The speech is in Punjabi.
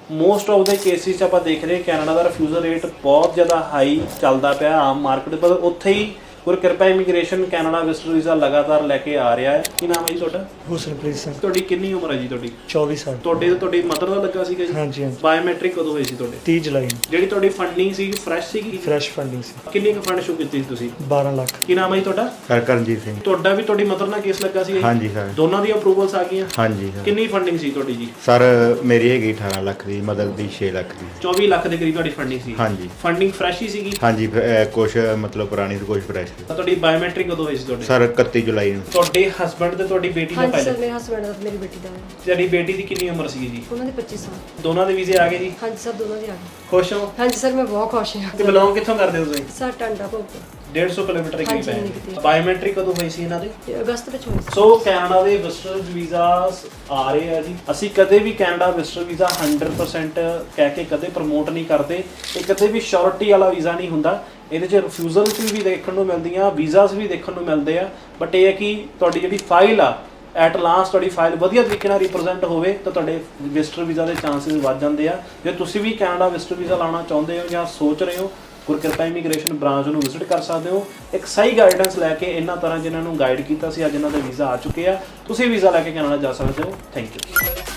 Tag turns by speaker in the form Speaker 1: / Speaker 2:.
Speaker 1: ਮੋਸਟ ਆਫ ਦੇ ਕੇਸਿਸ ਆਪਾਂ ਦੇਖ ਰਹੇ ਕੈਨੇਡਾ ਦਾ ਰਿਫਿਊਜ਼ਲ ਰੇਟ ਬਹੁਤ ਜ਼ਿਆਦਾ ਹਾਈ ਚੱਲਦਾ ਪਿਆ ਆਮ ਮਾਰਕੀਟ ਪਰ ਉੱਥੇ ਹੀ Gurkirpa immigration Canada visitor visa ਲਗਾਤਾਰ ਲੈ ਕੇ ਆ ਰਿਹਾ ਹੈ। ਕੀ ਨਾਮ ਹੈ ਜੀ ਤੁਹਾਡਾ?
Speaker 2: ਹੁਸਨਪ੍ਰੀਤ ਸਿੰਘ।
Speaker 1: ਤੁਹਾਡੀ ਕਿੰਨੀ ਉਮਰ ਹੈ ਜੀ? ਤੁਹਾਡੀ
Speaker 2: 24 ਸਾਲ।
Speaker 1: ਤੁਹਾਡੀ ਮਦਰ ਦਾ ਲੱਗਾ ਸੀਗਾ ਜੀ?
Speaker 2: ਹਾਂਜੀ ਹਾਂਜੀ।
Speaker 1: ਬਾਇਓਮੈਟ੍ਰਿਕ ਕਦੋਂ ਹੋਈ ਸੀ ਤੁਹਾਡੇ?
Speaker 2: 30 ਜੁਲਾਈ ਨੂੰ।
Speaker 1: ਜਿਹੜੀ ਤੁਹਾਡੀ ਫੰਡਿੰਗ ਸੀ ਫਰੈਸ਼ ਸੀਗੀ?
Speaker 2: ਫਰੈਸ਼ ਫੰਡਿੰਗ ਸੀ।
Speaker 1: ਕਿੰਨੀ ਕੁ ਫੰਡ ਸ਼ੋ ਕੀਤੀ ਸੀ ਤੁਸੀਂ?
Speaker 2: 12 ਲੱਖ।
Speaker 1: ਕੀ ਨਾਮ ਹੈ ਜੀ ਤੁਹਾਡਾ?
Speaker 3: ਕਰਨਜੀਤ ਸਿੰਘ।
Speaker 1: ਤੁਹਾਡਾ ਵੀ ਤੁਹਾਡੀ ਮਦਰ ਨਾਲ ਕੇਸ ਲੱਗਾ ਸੀ?
Speaker 3: ਹਾਂਜੀ ਸਰ।
Speaker 1: ਦੋਨਾਂ ਦੀ ਅਪਰੂਵਲਸ ਆ ਗਈਆਂ?
Speaker 3: ਹਾਂਜੀ ਸਰ।
Speaker 1: ਕਿੰਨੀ ਫੰਡਿੰਗ ਸੀ ਤੁਹਾਡੀ ਜੀ?
Speaker 3: ਸਰ ਮੇਰੀ ਹੈਗੀ 18 ਲੱਖ ਦੀ, ਮਦਰ ਦੀ 6 ਲੱਖ ਦੀ।
Speaker 1: 24 ਲੱਖ ਦੇ ਕਰੀਬ ਤੁਹਾਡੀ ਫੰਡਿੰਗ ਸੀ?
Speaker 3: ਹਾਂਜੀ।
Speaker 1: ਫੰਡਿੰਗ ਫਰੈਸ਼ ਹੀ ਸੀਗੀ?
Speaker 3: ਹਾਂਜੀ ਕੁਛ ਮਤਲਬ ਪੁਰਾਣੀ ਤੇ ਕੁਛ ਫਰੈਸ਼।
Speaker 1: ਤੁਹਾਡੀ ਬਾਇਓਮੈਟ੍ਰਿਕ ਕਦੋਂ ਹੋਈ ਸੀ ਤੁਹਾਡੇ?
Speaker 3: ਸਰ 31 ਜੁਲਾਈ ਨੂੰ।
Speaker 1: ਤੁਹਾਡੇ ਹਸਬੰਡ ਤੇ ਤੁਹਾਡੀ ਬੇਟੀ ਦਾ
Speaker 4: ਹਾਂਜੀ
Speaker 1: ਪਹਿਲੇ?
Speaker 4: ਸਰ, ਮੇਰੇ ਹਸਬੰਡ ਦਾ ਮੇਰੀ ਬੇਟੀ ਦਾ ਹੈ।
Speaker 1: ਤੁਹਾਡੀ ਬੇਟੀ ਦੀ ਕਿੰਨੀ ਉਮਰ ਸੀਗੀ ਜੀ?
Speaker 4: ਉਹਨਾਂ ਦੇ 25 ਸਾਲ।
Speaker 1: ਦੋਨਾਂ ਦੇ ਵੀਜ਼ੇ ਆ ਗਏ ਜੀ?
Speaker 4: ਹਾਂਜੀ ਸਰ, ਦੋਨਾਂ ਦੇ ਆ ਗਏ।
Speaker 1: ਖੁਸ਼ ਹੋ?
Speaker 4: ਹਾਂਜੀ ਸਰ, ਮੈਂ ਬਹੁਤ ਖੁਸ਼ ਹਾਂ।
Speaker 1: ਤੇ ਬਿਲੋਂਗ ਕਿੱਥੋਂ ਕਰਦੇ ਹੋ ਤੁਸੀਂ?
Speaker 4: ਸਰ ਟਾਂਡਾ ਭੋਗ
Speaker 1: 150 ਕਿਲੋਮੀਟਰ ਦੇ ਕਰੀਬ
Speaker 4: ਹਾਂਜੀ,
Speaker 1: ਹੈ। ਬਾਇਓਮੈਟ੍ਰਿਕ ਕਦੋਂ ਹੋਈ ਸੀ ਇਹਨਾਂ ਦੀ?
Speaker 4: ਅਗਸਤ ਵਿੱਚ ਹੋਈ ਸੀ।
Speaker 1: ਸੋ ਕੈਨੇਡਾ ਦੇ ਵਿਜ਼ਟਰ ਵੀਜ਼ਾਸ ਆ ਰਹੇ ਆ ਜੀ। ਅਸੀਂ ਕਦੇ ਵੀ ਕੈਨੇਡਾ ਵਿਜ਼ਟਰ ਵੀਜ਼ਾ 100% ਕਹਿ ਕੇ ਕਦੇ ਪ੍ਰਮੋਟ ਨਹੀਂ ਕਰਦੇ। ਇਹ ਕਦੇ ਵੀ ਸ਼ੋਰਟੀ ਵਾਲਾ ਵੀਜ਼ਾ ਨਹੀਂ ਹੁੰਦਾ। ਇਹਦੇ 'ਚ ਰਿਫਿਊਜ਼ਲਸ ਵੀ ਦੇਖਣ ਨੂੰ ਮਿਲਦੀਆਂ, ਵੀਜ਼ਾਸ ਵੀ ਦੇਖਣ ਨੂੰ ਮਿਲਦੇ ਆ। ਬਟ ਇਹ ਹੈ ਕਿ ਤੁਹਾਡੀ ਜਿਹੜੀ ਫਾਈਲ ਆ ਐਟ ਲਾਸਟ ਤੁਹਾਡੀ ਫਾਈਲ ਵਧੀਆ ਤਰੀਕੇ ਨਾਲ ਰਿਪਰੈਜ਼ੈਂਟ ਹੋਵੇ ਤਾਂ ਤੁਹਾਡੇ ਵਿਜ਼ਟਰ ਵੀਜ਼ਾ ਦੇ ਚਾਂਸਸ ਵੱਧ ਜਾਂਦੇ ਆ। ਜੇ ਤੁਸੀਂ ਵੀ ਕੈਨੇਡਾ ਵਿਜ਼ਟਰ ਵੀਜ਼ਾ ਲਾਉਣਾ ਚਾਹੁੰਦੇ ਹੋ ਜਾਂ ਸੋਚ ਰਹੇ ਹੋ, ਗੁਰਕਿਰਪਾ ਇਮੀਗ੍ਰੇਸ਼ਨ ਬ੍ਰਾਂਚ ਨੂੰ ਵਿਜ਼ਿਟ ਕਰ ਸਕਦੇ ਹੋ। ਇੱਕ ਸਹੀ ਗਾਈਡੈਂਸ ਲੈ ਕੇ ਇਹਨਾਂ ਤਰ੍ਹਾਂ ਜਿਨ੍ਹਾਂ ਨੂੰ ਗਾਈਡ ਕੀਤਾ ਸੀ, ਅੱਜ ਇਹਨਾਂ ਦੇ ਵੀਜ਼ਾ ਆ ਚੁੱਕੇ ਆ। ਤੁਸੀਂ ਵੀਜ਼ਾ ਲੈ ਕੇ ਕੈਨੇਡਾ ਜਾ ਸਕਦੇ ਹੋ। Thank you.